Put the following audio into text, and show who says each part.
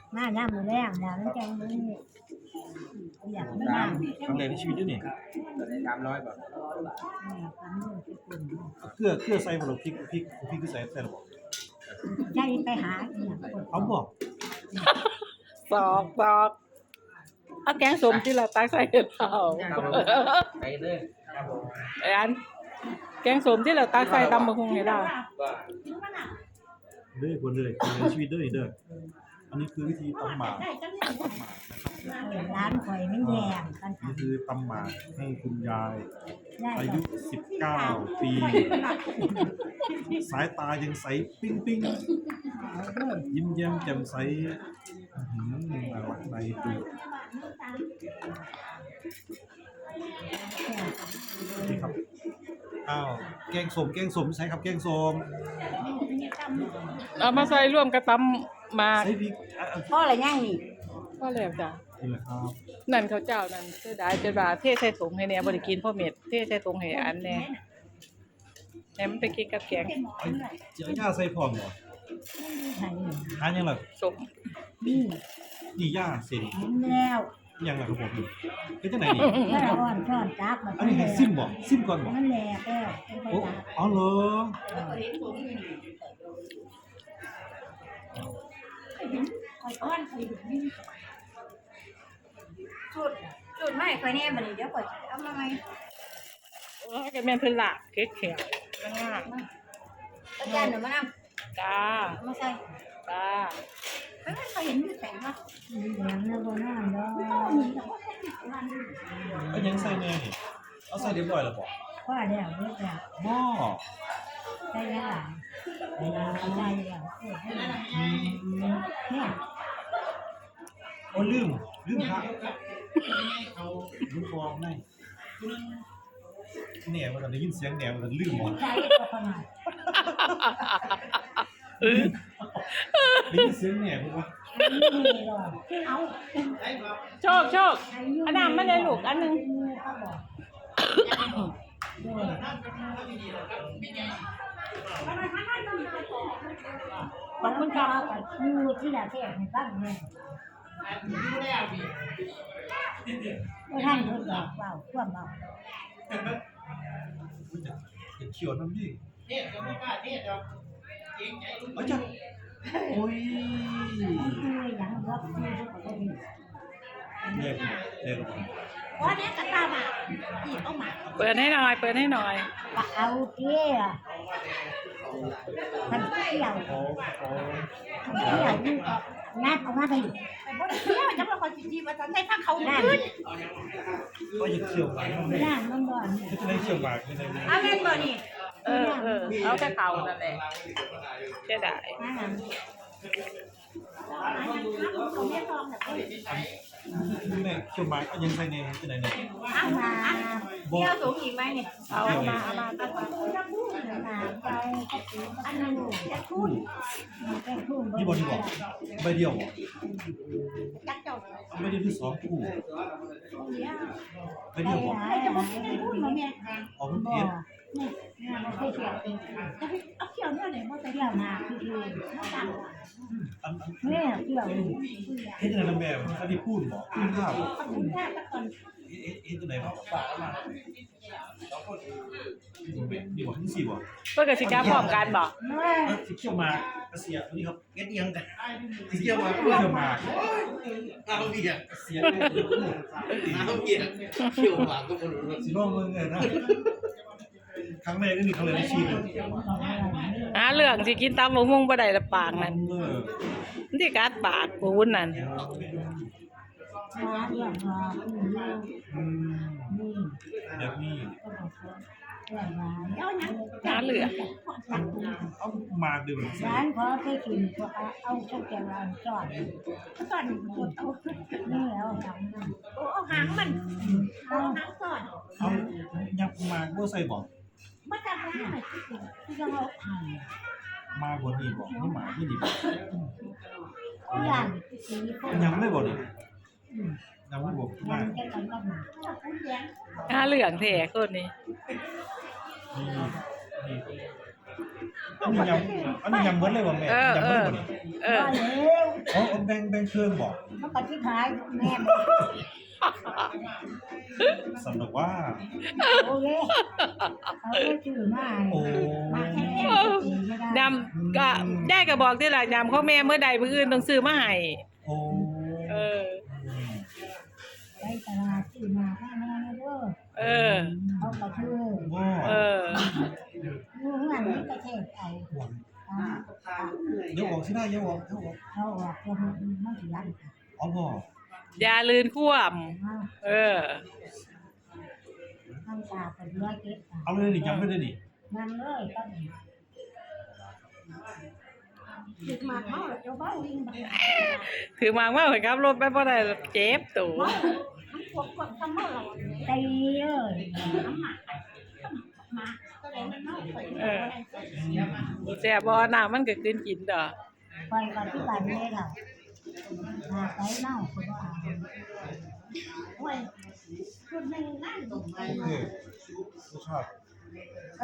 Speaker 1: มาย่ามมือแรงแล้วมันแกงมืออยากไม่มา
Speaker 2: ครั้งแรกในชีวิตด้วยนี่
Speaker 3: ตอนนี้300บาท
Speaker 2: เกลือใส่บ่หรอพริกคือใส่หรอบ่
Speaker 1: ใจไปหาอย่างคน
Speaker 2: เอาบ่
Speaker 4: สอกเอาแกงส้มที่เราตักใส่เห็ดเผา
Speaker 3: ไปเลยครับผม
Speaker 4: ไอ้อันแกงส้มที่เราตักใส่ตำบักหุ่งให้เรา
Speaker 2: เด้อคนเลยในชีวิตเด้อนี่เด้ออันนี้คือวิธีตำหมาก
Speaker 1: ร้านข่อยมันแยงกัน
Speaker 2: นี่คือตำหมากให้คุณยาย
Speaker 1: ได้
Speaker 2: อายุ19ปีสายตายังใสปิ้งยิ้มแย้มแจ่มใสน่ารักในดูนี่ครับอ้าวแกงส้มใช่ครับแกงส้ม
Speaker 4: เอามาใส่ร่วมกับตำหมาก
Speaker 2: ใส่พริก
Speaker 1: พ่ออะไรย่างนี่
Speaker 4: ก็แล้วจ้ะ
Speaker 2: นี่แหละครับ
Speaker 4: นั่นเขาเจ้านั่นเสียดายจะว่าเทใส่ถุงให้แหน่บ่ได้กินพ่อเม็ดเทใส่ถุงให้อันแหน่ให้มันไปกินกับแกง
Speaker 2: เจียวย่าใส่พร้อมเหรอ
Speaker 1: ใช่
Speaker 2: ทานยังล่ะ
Speaker 4: ส้ม
Speaker 1: นี่
Speaker 2: นี่ย่าเสร็จ
Speaker 1: เห็นแล้ว
Speaker 2: ยังล่ะครับผมนี่เป็นจังไหนนี่
Speaker 1: ถ้าอ่อนช้อนจับ
Speaker 2: อันนี้ให้ซิมบ่ซิมก่อนบ่
Speaker 1: มันแหลกแล้ว
Speaker 2: โอ้อ๋อเหรอ
Speaker 1: จุดไม่ค่อยแน่บัดนี้เดี๋ยวก่อนเอามาใหม่
Speaker 4: เออก็แม่นเพิ่นละเก๊กแข็งงาม
Speaker 1: อาจารย์เดี๋ยวมานำ
Speaker 4: จ้า
Speaker 1: มาใส่
Speaker 4: จ้า
Speaker 1: ไม่เคยเห็นมีแต่งว่าเหลืองนะบ่น้ำดอก
Speaker 2: เอายังใส่แน่นี่เอาใส่เรียบร้อยแล้วบ่
Speaker 1: ว่าแล้วเรียบร้อย
Speaker 2: หม้อ
Speaker 1: ใส่แล้วใส่แล้ว เนี่ย
Speaker 2: โอ้ลืมพระลืมฟองได้แหน่ว่าได้ยินเสียงแหน่ว่าลืมบ่
Speaker 1: ใส่ก็ประมาณ
Speaker 2: ได้ยินเสียงแหน่บ่วะ
Speaker 1: นี่หรอเอา
Speaker 4: โชคอันนั้นมาเลยลูกอันหนึง
Speaker 1: เขาบอกขอบคุณครับอยู่ที่ละเทศในบ้านเนี่ยไม่ท่านเพิ่งบอกเบาท่วมเบา
Speaker 2: อุ๊ยจะเขียวน้ำดิ
Speaker 3: เนี่ยจะไม่กล้าเนี่ยจะเกรงใจลูก
Speaker 2: เอาจ้ะโอ้ย
Speaker 1: คืออย่างรับคือเขาก็มี
Speaker 2: เรียก
Speaker 1: ว่าเนี้ยกระตามาอีกเอามา
Speaker 4: เปิดให้หน่อย
Speaker 1: ว่าเอาเที่ยท่านเที่ยว
Speaker 2: โอ้
Speaker 1: เที่ยวนี่งัดออกมาไป
Speaker 5: เที่ยวจะมาคอยจีมาตอนได้พักเขาขึ้น
Speaker 2: ก็จะเขียวหวานไม่
Speaker 1: ย่างมันบ่อน
Speaker 2: จะได้เขียวหวานไม่ได้
Speaker 5: เอาเล่นบ่นี่
Speaker 4: เออเอาแต่เขานั่นแหละเสียดาย
Speaker 5: เขาไม่ลองแบบนี้
Speaker 2: แม่เขียวหวานเอายังใส่ในที่ไหนเนี่ย
Speaker 5: เอามาเที่ยวสูงอีกไหมเนี่ย
Speaker 4: เอามาตั้งมา
Speaker 1: มาไปอันนั้นจะทุ่นจะทุ่น
Speaker 2: นี่บอลนี่บอกใบเดียว
Speaker 5: จักเจ้า
Speaker 2: ใบเดียวที่สองคู่ใบเดียวบอก
Speaker 5: ใครจะมาให้ได้พูดมาเนี่ย
Speaker 2: ออกมัน
Speaker 1: บ่
Speaker 2: เอ็ด
Speaker 1: นี่มันเคยเที่ยว
Speaker 5: เอาเที่ยวเนี่ยไหนมาแต่
Speaker 1: เที่ยวมาคือ
Speaker 5: มาต่าง
Speaker 2: อัน
Speaker 1: แม่เที่ยว
Speaker 2: เฮ็ดยังไงนะแม่เขาได้พูดบอกพูดภาพ
Speaker 5: ขอบคุณแค่ตะกอน
Speaker 2: เฮ็ดยังไงบอกฝากมาดีกว่าทั้งสี่บอก
Speaker 4: เพื่อกับสิกาพร้อมกันบ่
Speaker 2: สิเขียวมากระเสียนี่ครับ
Speaker 3: เก็ดยังกัน
Speaker 2: สิเขียวมาเขียวมา
Speaker 3: เอาเบียร์
Speaker 2: เสีย
Speaker 3: เอาเบียร์เขียวหวานก็ไม่รู้
Speaker 2: สิลองเมืองไงนะครั้งแรกก็มีครั้งแรกในชีวิต
Speaker 4: เรื่องสิกินตำบักหุ่งบ่ได้ละปากนั่น
Speaker 2: เออ
Speaker 4: มันสิกัดปากปูนนั่น
Speaker 1: มาเที่ยวมา นี่
Speaker 2: แบบนี้
Speaker 1: ก็บอกเที่ยวมา
Speaker 5: เอาเนี่ย
Speaker 4: เหลือ
Speaker 2: เอามาดื่ม
Speaker 1: ร้านขอเคยกินพวกเอาชุดแกงร้านจอด
Speaker 5: ตอนกดเอา
Speaker 1: นี่แล้วทำนั่น
Speaker 5: โอ้เอาหางมันเอาหางก่อน
Speaker 2: เอายับมาบ่ใส่บอก
Speaker 5: มาจับหางหน่อย
Speaker 1: ที่จะเอาท
Speaker 2: มาบนนี่บอกนี่หมาที่นี่บอก
Speaker 1: ำอย่างสีคน
Speaker 2: ยังไม่บอกเลยยังไม่บอก
Speaker 1: ยั
Speaker 2: มาง
Speaker 1: แค่กันก็มา
Speaker 5: คุณเลี้ยง
Speaker 4: เหลืองแท้คนนี้
Speaker 2: นี่อันนี้ยังเบิดเลยบอกแม่ยังเบิดเลยบอกนี่
Speaker 4: เออ
Speaker 1: ก็เร็ว
Speaker 2: อ๋อแบ่งเครื่องบอก
Speaker 1: เขาปฏิภาณแม่
Speaker 2: สนุกว่า
Speaker 1: โอเคเขาก็ชื่อมา
Speaker 2: โอ้
Speaker 1: มาแค่ไม่ได้
Speaker 4: ยำก็ได้ก็บอกที่ล่ะยำของแม่เมื่อใดมื้ออื่นต้องซื้อมาให้
Speaker 2: โอ้
Speaker 4: เออ
Speaker 1: ไปตลาดชื่อมาแค่แม่เด้อ
Speaker 4: เออ
Speaker 1: เขาก็ชื่อ
Speaker 2: ว่า
Speaker 4: เออ
Speaker 1: อยู่เงินนี่ก็เทศเอา
Speaker 2: เดี๋ยวออกที่ได้เดี๋ยวออก
Speaker 1: เขาออกจะมันสิยัน
Speaker 2: อ๋อบอก
Speaker 4: อย่าลืนคว่ำเออ
Speaker 1: มันตาเป็นร้อยเก็บ
Speaker 2: เอาเลยดิจำไม่ได้ดิ
Speaker 1: มันเลยก็หยุดมาเขาเจ้าเบ้าวิ่งไป
Speaker 4: ถือมากมากเลยครับรถไปบ่ได้เจ็บตัว
Speaker 5: ทั้งพวกทำเมื่อเรา
Speaker 1: ตีเลย
Speaker 5: น้ำหมักมาก็เลยมันเน่าไป
Speaker 4: เออแซ่บบ่น้ำมันก็กินกินดอก
Speaker 1: ไปก่อนที่บ้านแม่เรามาไปเน่าคือว่า
Speaker 5: โอ้ยชุดหนึ่งนั่น
Speaker 2: โอเครสชาติ